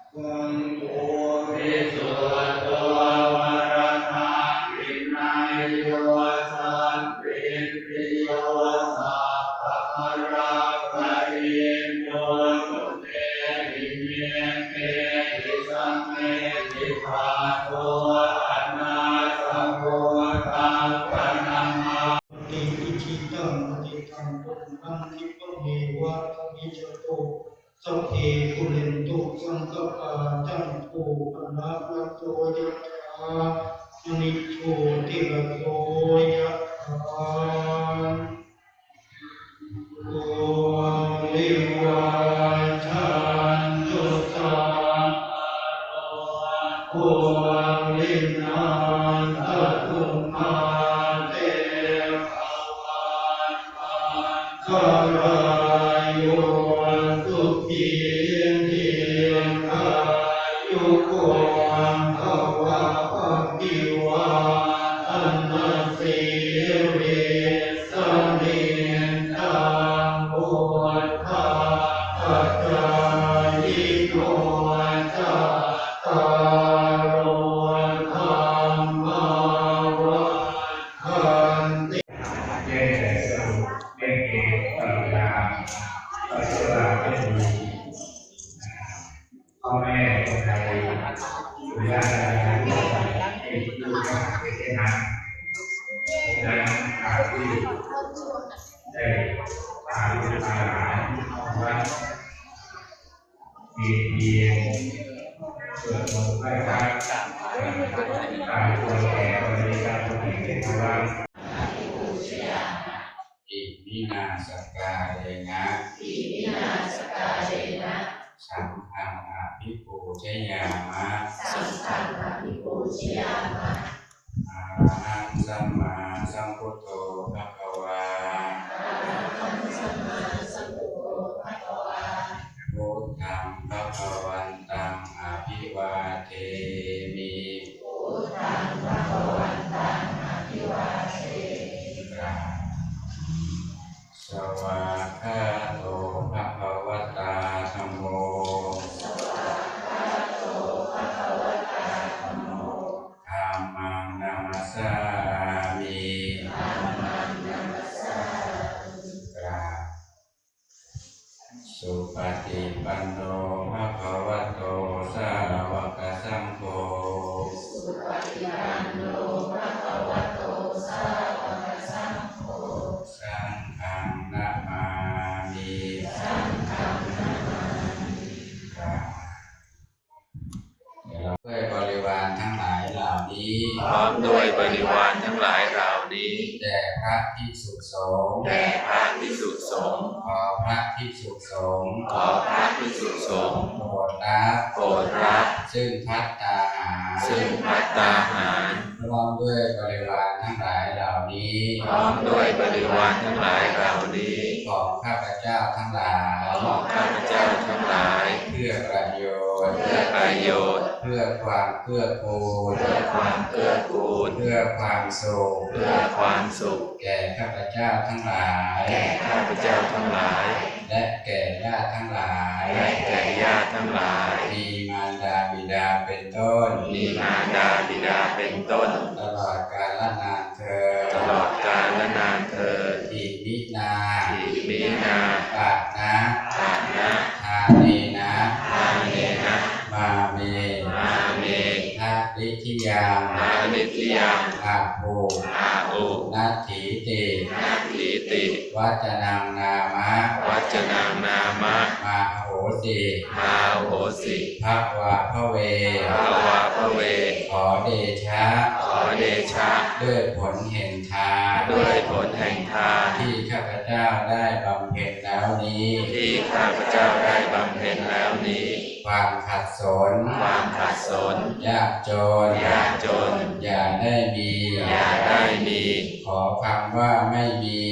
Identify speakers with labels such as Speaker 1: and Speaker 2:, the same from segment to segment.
Speaker 1: วังโอภิสุตัววรธาปินัยโยสันปิปิโยสัพพะราภะรินโยตุเตหิเมเตหิสัมเมติภาโตอนาสัมโพธังปนัมมาติอิจิตังปฏิตังตุนังคิปะเมวะทวิจโตสัพเพปุเรนตุสังกปาจันโทปนะระโสยะถามณิโชติระโสยะถาโอลิวาชันตุสัพพะโอลินาตตุมาเตภวะโยสุขีทีขายุโกภวะอภิวาทนาสิริสนิจังพุทธาปัจจายโนจัตตารโอธรรมาวัฏฏันติ
Speaker 2: แก้สรุปเล่นเกมตลอดเวลาปัจจุบันก็มีพ่อแม่คนไทยหรือญาติที่ลูกก็เป็นเช่นนั้นดังนั้นการที่ได้พาลูกพาหลานของวัดมีเพียงเกิดมาไหว้พระตามควรแก่บริการคนหนึ่งเป็นพระอิมินาสการเรนะสังฆังอภิปูชยามะอาหังสัมมาสัมพุทโธภะคะวาพุทธังภะคะวันตังอภิวาเทมิสวากขาโตภะคะวตาธัมโมธัมมังนามัสสามิกราบสุปฏิปันโนภะคะวะโตสาวกสังโฆสังฆังนะมามิด้วยบริวารทั้งหลายเหล่านี้
Speaker 3: พร้อมด้วยบริวารทั้งหลายเหล่านี้
Speaker 2: แด่พระภิกษุสงฆ์
Speaker 3: แด่พระภิกษุสงฆ์
Speaker 2: ขอพระภิกษุสงฆ์
Speaker 3: ขอพระภิกษุสงฆ์
Speaker 2: โปรดรับ
Speaker 3: โปรดรับ
Speaker 2: ซึ่งภัตตาหาร
Speaker 3: ซึ่งภัตตาหาร
Speaker 2: พร้อมด้วยบริวารทั้งหลายเหล่านี้
Speaker 3: พร้อมด้วยบริวารทั้งหลายเหล่านี้
Speaker 2: ของข้าพเจ้าทั้งหลาย
Speaker 3: ของข้าพเจ้าทั้งหลาย
Speaker 2: เพื่อประโยชน์
Speaker 3: เพื่อประโยชน์
Speaker 2: เพื่อความเกื้อกูล
Speaker 3: เพื่อความเกื้อกูล
Speaker 2: เพื่อความสุข
Speaker 3: เพื่อความสุข
Speaker 2: แก่ข้าพเจ้าทั้งหลาย
Speaker 3: แก่ข้าพเจ้าทั้งหลาย
Speaker 2: และแก่ญาติทั้งหลาย
Speaker 3: และแก่ญาติทั้งหลาย
Speaker 2: มีมารดาบิดาเป็นต้น
Speaker 3: มีมารดาบิดาเป็นต้น
Speaker 2: ตลอดกาลนานเทอญ
Speaker 3: ตลอดกาลนานเทอญ
Speaker 2: อิมินาปะนะทาเนนะมาเมนาลิทิยังอาภูนัตถิติวัจนังนามะมาโหสิภควะพะเวขอเดชะด้วยผลแห่งทานที่ข้าพเจ้าได้บำเพ็ญแล้วนี้ความขัดสนยากจนอย่าได้มีขอคำว่าไม่มี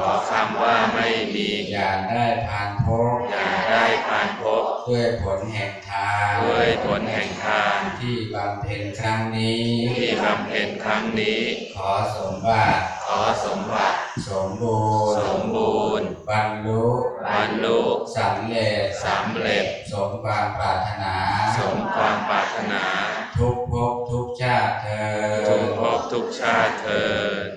Speaker 2: อย่าได้ผ่านพบด้วยผลแห่งทานที่บำเพ็ญครั้งนี้ขอสมบัติสมบูรณ์บรรลุ
Speaker 3: รรลุ
Speaker 2: สำเร็จ
Speaker 3: สำเร็จ
Speaker 2: สมความปรารถนา
Speaker 3: สมความปรารถนา
Speaker 2: ทุกภพทุกชาติเธอ
Speaker 3: ทุกภพทุกชาติเทอญ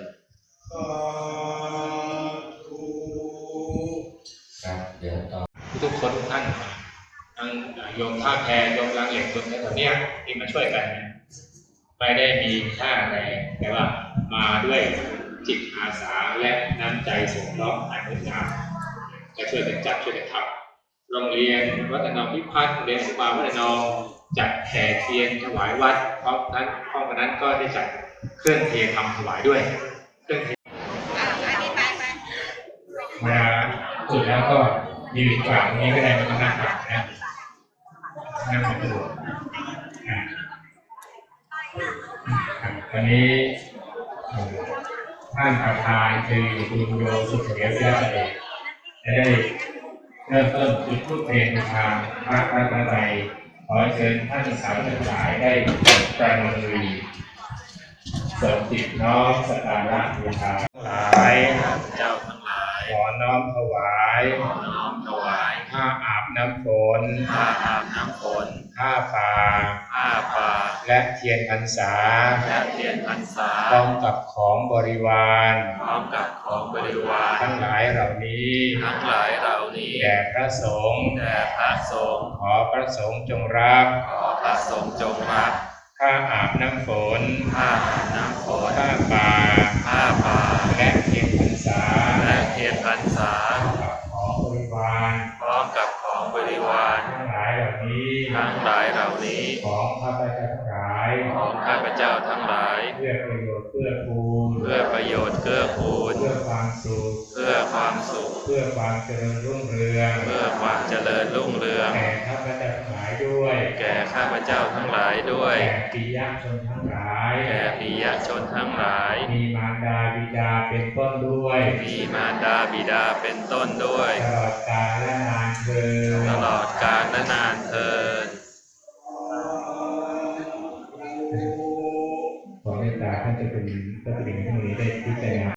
Speaker 2: ครับเดี๋ยวต่อ
Speaker 4: ทุกคนทุกท่านทั้งโยมท่าแพโยมลังเหล็กโยมอะไรแบบเนี้ยที่มาช่วยกันเนี่ยไม่ได้มีค่าอะไรแต่ว่ามาด้วยจิตอาสาและน้ำใจสงเคราะห์อันงดงามจะช่วยกันจัดช่วยกันทำโรงเรียนวัดนองพิพัฒน์โรงเรียนอนุบาลวัดนองจัดแห่เทียนถวายวัดเพราะนั้นห้องนั้นก็ได้จัดเครื่องเทียนทำถวายด้วยเครื่องเทียนเวลาจุดแล้วก็ยืนกลางตรงนี้ก็ได้ไม่ต้องนั่งกลางนะนั่งสะดวกวันนี้ท่านประธานคือคุณโยสุเสถียรศิลปะเดชได้เริ่มต้นจุดพูดเพลงทางพระรัตนตรัยขอเชิญท่านสาวทั้งหลายได้ประนมมือส่งจิตน้อมสักการะบูชาหลาย
Speaker 3: เจ้าทั้งหลาย
Speaker 4: ขอน้อมถวาย
Speaker 3: ขอน้อมถวาย
Speaker 4: ผ้าอาบน้ำฝน
Speaker 3: ผ้าอาบน้ำฝน
Speaker 4: ผ้าป่า
Speaker 3: ผ้าป่า
Speaker 4: และเทียนพรรษา
Speaker 3: และเทียนพรรษา
Speaker 4: พร้อมกับของบริวาร
Speaker 3: พร้อมกับของบริวาร
Speaker 4: ทั้งหลายเหล่านี้
Speaker 3: ทั้งหลายเหล่านี้
Speaker 4: แด่พระสงฆ์
Speaker 3: แด่พระสงฆ์
Speaker 4: ขอพระสงฆ์จงรับ
Speaker 3: ขอพระสงฆ์จงรับ
Speaker 4: ผ้าอาบน้ำฝน
Speaker 3: ผ้าอาบน้ำฝน
Speaker 4: ผ้าป่า
Speaker 3: ผ้าป่า
Speaker 4: และเทียนพรรษา
Speaker 3: และเทียนพรรษา
Speaker 4: กับของบริวาร
Speaker 3: พร้อมกับของบริวาร
Speaker 4: ทั้งหลายเหล่านี้
Speaker 3: ทั้งหลายเหล่านี้
Speaker 4: ของข้าพเจ้าทั้งหลาย
Speaker 3: ของข้าพเจ้าทั้งหลาย
Speaker 4: เพื่อประโยชน์เพื่อกูล
Speaker 3: เพื่อประโยชน์เกื้อกูล
Speaker 4: เพื่อความสุข
Speaker 3: เพื่อความสุข
Speaker 4: เพื่อความเจริญรุ่งเรือง
Speaker 3: เพื่อความเจริญรุ่งเรือง
Speaker 4: แก่ข้าพเจ้าทั้งหลายด้วย
Speaker 3: แก่ข้าพเจ้าทั้งหลายด้วย
Speaker 4: แก่ปิยชนทั้งหลาย
Speaker 3: แก่ปิยชนทั้งหลาย
Speaker 4: มีมารดาบิดาเป็นต้นด้วย
Speaker 3: มีมารดาบิดาเป็นต้นด้วย
Speaker 4: ตลอดกาลและนานเทอญ
Speaker 3: ตลอดกาลและนานเทอญ